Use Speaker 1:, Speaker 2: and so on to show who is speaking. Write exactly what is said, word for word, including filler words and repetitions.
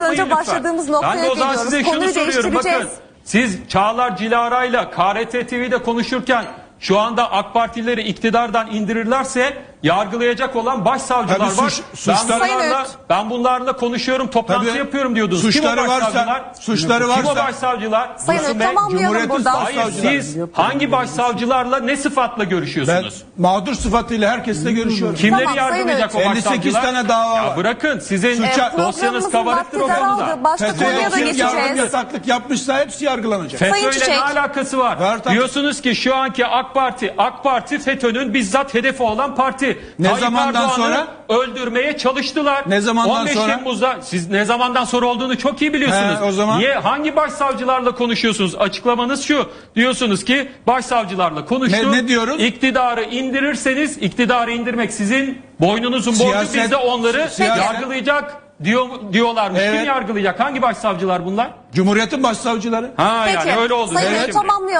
Speaker 1: önce
Speaker 2: lütfen.
Speaker 1: başladığımız noktaya
Speaker 2: Ben de o zaman
Speaker 1: geliyoruz.
Speaker 2: size şunu
Speaker 1: Konuyu
Speaker 2: soruyorum. Bakın
Speaker 1: değiştireceğiz.
Speaker 2: siz Çağlar Cilara'yla K R T T V'de konuşurken şu anda AK Partilileri iktidardan indirirlerse yargılayacak olan başsavcılar
Speaker 3: Tabii
Speaker 2: var.
Speaker 3: suç-
Speaker 2: ben,
Speaker 3: suçlar-
Speaker 2: bunlarla,
Speaker 1: Evet.
Speaker 2: ben bunlarla konuşuyorum, toplantı
Speaker 3: Tabii.
Speaker 2: yapıyorum diyordunuz.
Speaker 3: Suçları
Speaker 2: Kim o
Speaker 3: varsa-
Speaker 2: başsavcılar?
Speaker 3: suçları
Speaker 2: Kim o
Speaker 3: varsa-
Speaker 2: başsavcılar?
Speaker 1: Sayın
Speaker 2: Dursun
Speaker 1: Öğüt,
Speaker 2: Bey,
Speaker 1: tamamlayalım
Speaker 3: Cumhuriyet'in
Speaker 1: buradan.
Speaker 2: Hayır
Speaker 3: başsavcıları.
Speaker 2: siz hangi başsavcılarla ne sıfatla
Speaker 3: Ben
Speaker 2: görüşüyorsunuz?
Speaker 3: mağdur sıfatıyla herkesle görüşüyorum.
Speaker 2: Kimleri
Speaker 1: Tamam, Sayın
Speaker 2: yargılayacak o
Speaker 3: elli sekiz
Speaker 2: başsavcılar?
Speaker 3: tane dava
Speaker 2: Ya
Speaker 3: var.
Speaker 2: bırakın sizin
Speaker 3: Suça-
Speaker 2: dosyanız
Speaker 1: Programımızın
Speaker 2: kabarıktır o
Speaker 1: vakti
Speaker 2: konuda.
Speaker 1: daraldı. Başka
Speaker 3: FETÖ'ye
Speaker 1: konuya da
Speaker 3: kim yardım
Speaker 1: geçeceğiz.
Speaker 3: yataklık yapmışsa hepsi yargılanacak.
Speaker 1: Sayın
Speaker 2: FETÖ'yle
Speaker 1: Çiçek.
Speaker 2: ne alakası var?
Speaker 3: Var tabii.
Speaker 2: Diyorsunuz ki şu anki AK Parti, AK Parti FETÖ'nün bizzat hedefi olan parti.
Speaker 3: Ne
Speaker 2: Tayyip
Speaker 3: zamandan
Speaker 2: Erdoğan'ı
Speaker 3: sonra?
Speaker 2: öldürmeye çalıştılar.
Speaker 3: Ne zamandan
Speaker 2: on beş
Speaker 3: sonra?
Speaker 2: Temmuz'da siz ne zamandan sonra olduğunu çok iyi biliyorsunuz.
Speaker 3: He, o zaman-
Speaker 2: Niye hangi başsavcılarla konuşuyorsunuz? Açıklamanız şu. Diyorsunuz ki başsavcılarla konuştum.
Speaker 3: Ne- ne diyoruz?
Speaker 2: İktidarı indirirseniz iktidarı indirmek sizin boynunuzun borcu,
Speaker 3: Siyaset-
Speaker 2: biz de onları
Speaker 3: siyaset-
Speaker 2: yargılayacak diyor diyorlarmış.
Speaker 3: Evet.
Speaker 2: Kim yargılayacak? Hangi başsavcılar bunlar?
Speaker 3: Cumhuriyet'in başsavcıları.
Speaker 2: Ha
Speaker 1: Peki,
Speaker 2: yani öyle oldu.
Speaker 1: Sayın
Speaker 2: değil mi
Speaker 1: Öğüt,
Speaker 2: şimdi?
Speaker 1: tamamlayalım.